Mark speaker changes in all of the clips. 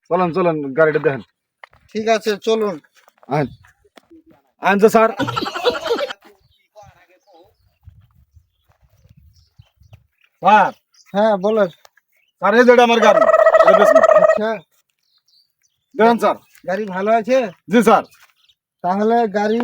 Speaker 1: চলেন চলেন গাড়িটা দেখেন।
Speaker 2: ঠিক আছে চলুন।
Speaker 1: আনছে স্যার। স্যার
Speaker 2: হ্যাঁ বলেন।
Speaker 1: স্যার এই যেটা আমার গাড়ি, এটা বেচুন।
Speaker 2: আচ্ছা,
Speaker 1: দেখেন স্যার।
Speaker 2: গাড়ি ভালো আছে?
Speaker 1: জি স্যার।
Speaker 2: তাহলে গাড়ি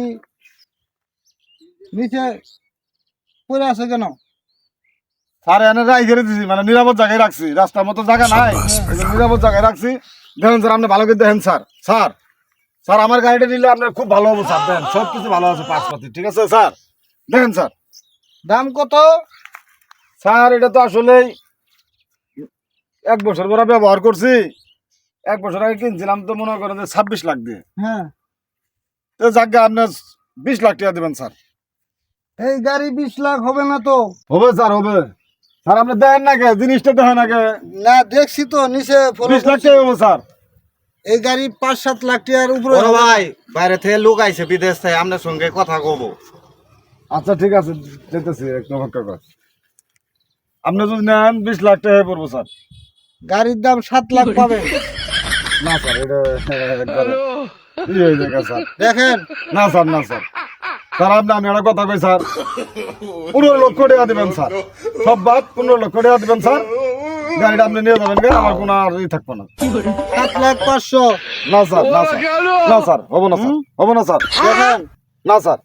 Speaker 2: নিচে পড়ে আছে কেন?
Speaker 1: স্যার এনে রাই ঘিরে দিছি, মানে নিরাপদ জায়গায় রাখছি, রাস্তার মতো জায়গা নাই, এই জন্য নিরাপদ জায়গায় রাখছি। দেখেন স্যার, আপনি ভালো করে দেখেন স্যার। স্যার স্যার আমার গাড়িটা নিলে আপনার খুব ভালো হবে স্যার। দেখেন সব কিছু ভালো আছে, পাঁচপাতি ঠিক আছে স্যার। দেখেন স্যার।
Speaker 2: দাম কত?
Speaker 1: স্যার এটা তো আসলে 1 বছর ধরে ব্যবহার করছি। 1 বছর আগে কিনছিলাম তো মনে করেন যে 26 লাখ দিয়ে।
Speaker 2: হ্যাঁ,
Speaker 1: তো যাকে আপনার 20 লাখ টাকা দেবেন স্যার।
Speaker 2: এই গাড়ি 20 লাখ হবে না তো?
Speaker 1: হবে স্যার হবে। স্যার আপনি দেখেন না কে, জিনিসটা দেখেন না কে।
Speaker 2: না দেখছি তো নিচে
Speaker 1: 20 লাখ টাকা হবে স্যার।
Speaker 2: এই গাড়ি 5-7 লাখ টাকার উপরে
Speaker 3: বড়
Speaker 2: হবে।
Speaker 3: ভাই বাইরে থেকে লোক আইছে বিদেশ থেকে আপনার সঙ্গে কথা কব।
Speaker 1: আচ্ছা ঠিক আছে, যেতেছি একটু অপেক্ষা কর। আপনি যদি নেন 20 লাখ টাকা পড়বো স্যার।
Speaker 2: গাড়ির দাম 7 লাখ পাবে।
Speaker 1: না স্যার এটা একবারে ই হয়ে যায় স্যার।
Speaker 2: দেখেন
Speaker 1: না স্যার না স্যার। স্যার আপনি আমি একটা কথা কই স্যার, 15 লক্ষ টাকা দিবেন স্যার। সব বাদ 15 লক্ষ টাকা দিবেন স্যার। গাড়িটা আপনি নিয়ে যাবেন, আমার কোনো আর ই থাকবো না।
Speaker 2: 7,500,000।
Speaker 1: না স্যার না স্যার না স্যার, হবো না স্যার, হবো না স্যার।
Speaker 2: দেখেন
Speaker 1: না স্যার।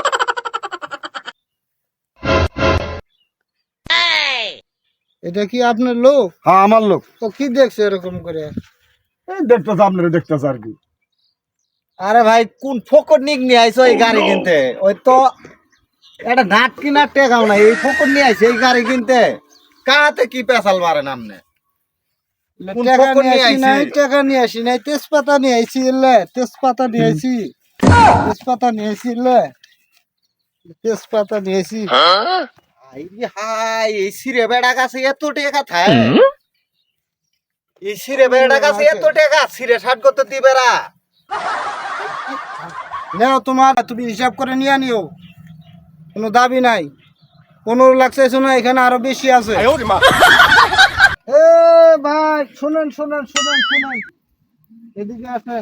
Speaker 2: এটা কি আপনার লোক?
Speaker 1: হ্যাঁ আমার লোক।
Speaker 2: তো কি দেখছে এরকম করে?
Speaker 1: এই দেখতেছে, আপনারা দেখতেছে আর কি।
Speaker 3: আরে ভাই কোন ফকর নিক নিয়ে আইছো এই গাড়ি কিনতে? ওই তো একটা নাট কিনার টেকাও না, এই ফকর নিয়ে আইছে এই গাড়ি কিনতে। কাহাতে কি পেশাল মারেন আপনি? কোন
Speaker 2: টাকা
Speaker 3: ফকর
Speaker 2: নিয়ে
Speaker 3: নিয়ে
Speaker 2: আসি নাই,
Speaker 3: আইছে?
Speaker 2: টাকা নিয়ে আসি নাই, তেজপাতা নিয়ে আইছি। তেজপাতা নিয়ে আইছি, তেজপাতা নিয়ে আইছি। তেজপাতা নিয়ে আইছি।
Speaker 3: হাই রে হাই, এই সিরে বেড়া গাছে এত টাকা থাকে? এই সিরে বেড়া গাছে এত টাকা? সিরে 60 কত দিবে রা?
Speaker 2: নাও তোমার, তুমি হিসাব করে নিয়ে নিও, কোনো দাবি নাই। 15 লাখ চাইছো না, এখানে আরো বেশি আছে। এ ভাই শুনেন শুনেন শুনেন শুনেন, এদিকে আসেন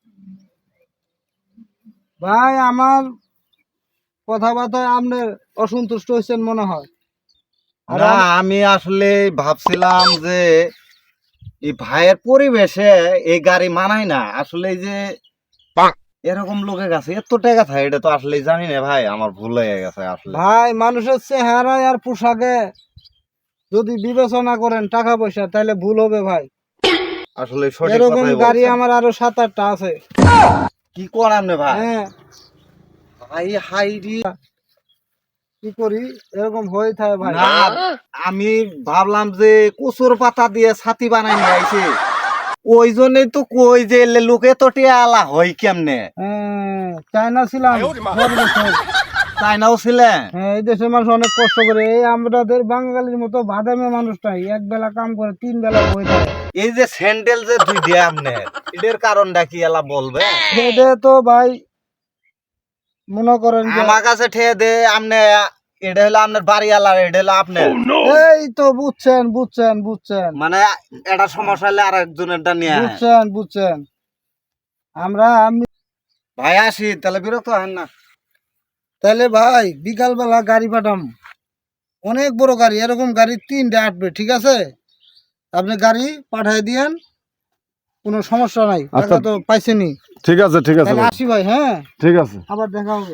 Speaker 2: ভাই। আমার কথাবার্তায় আপনি অসন্তুষ্ট হয়েছেন মনে হয়। আর
Speaker 3: না আমি আসলে ভাবছিলাম যে এই ভাইয়ের পরিবেশে এই গাড়ি মানায় না। আসলে এই যে এরকম লোকের কাছে এত টাকা থাকে এটা তো আসলে জানি না ভাই, আমার ভুল হয়ে গেছে আসলে।
Speaker 2: ভাই মানুষের চেহারায় আর পোশাকে যদি বিবেচনা করেন টাকা পয়সা, তাহলে ভুল হবে ভাই।
Speaker 3: আসলে সঠিক
Speaker 2: এরকম
Speaker 3: কথাই
Speaker 2: গাড়ি
Speaker 3: বলছেন।
Speaker 2: আমার আরো 7-8টা আছে।
Speaker 3: কি করাম রে ভাই?
Speaker 2: হ্যাঁ,
Speaker 3: ভাই হাই রে।
Speaker 2: কি করি, এরকম হয়ে থাকে ভাই।
Speaker 3: না আমি ভাবলাম যে কচুর পাতা দিয়ে ছাতি বানাই নিয়ে আইছে, ওই জন্যই তো কই যে লোকে তো টিয়ালা হয় কেমনে।
Speaker 2: হ্যাঁ, চায়না ছিলাম 10 বছর।
Speaker 3: চাইনাও ছিলেন?
Speaker 2: হ্যাঁ, এই দেশের মানুষ অনেক কষ্ট করে। এই আমাদের বাঙালির মতো বাদামে মানুষটাই 1 বেলা কাম করে 3 বেলা বই থাকে।
Speaker 3: এই যে স্যান্ডেল যে দুই দিয়ে আপনি, এটার কারণটা কি এলা বলবে?
Speaker 2: এটা তো ভাই মনে করেন যে
Speaker 3: আমার কাছে ঠেয়ে দে আপনি, এটা হলো আপনার বাড়ি আলার, এটা হলো আপনার।
Speaker 2: এই তো বুঝছেন বুঝছেন বুঝছেন
Speaker 3: মানে এটা সমস্যা হলে আর একজনেরটা নিয়ে আয়।
Speaker 2: বুঝছেন বুঝছেন। আমি
Speaker 3: ভাই আসি তাহলে, বিরক্ত হেন না।
Speaker 2: তাহলে ভাই বিকাল বেলা গাড়ি পাঠাম, অনেক বড় গাড়ি, এরকম গাড়ি 3টা আসবে, ঠিক আছে? আপনি গাড়ি পাঠাই দিয়েন, কোনো সমস্যা নাই।
Speaker 1: আচ্ছা।
Speaker 2: টাকা তো পাইছেনি।
Speaker 1: ঠিক আছে ঠিক আছে
Speaker 2: তাহলে
Speaker 1: ভাই।
Speaker 2: আসি ভাই। হ্যাঁ,
Speaker 1: ঠিক আছে।
Speaker 2: আবার দেখা হবে।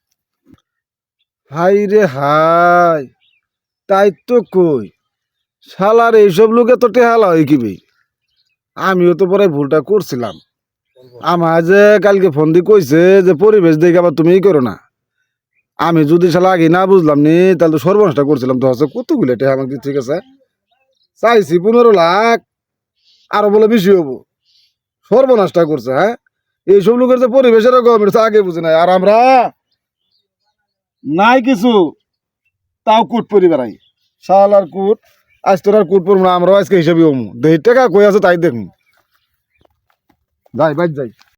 Speaker 1: হাই রে হাই, তাই তো কই শালার এইসব লোকে তো টেহালা হয় কি বে। আমিও তো পরে ভুলটা করছিলাম। আমার যে কালকে ফোন দিয়ে কইছে যে পরিবেশ দেখে আবার তুমি করো না। আমি যদি শালা আগে না বুঝলাম নি, তাহলে তো সর্বনাশটা করছিলাম। তো হচ্ছে কতগুলো টেহা আমাকে ঠিক আছে চাইছি 15 লাখ, আরো বলে বেশি হবো। সর্বনাশটা করছে। হ্যাঁ, এইসব লোকের যে পরিবেশের গভর্নমেন্ট আগে বুঝে নাই, আর আমরা নাই কিছু তাও কুট পরিবারাই শালার কুট। আজ তোর আর কুট পড়বো না, আমরাও আজকে হিসাবে হমু। 2 টাকা কই আছে তাই দেখুন। যাই বাইর যাই।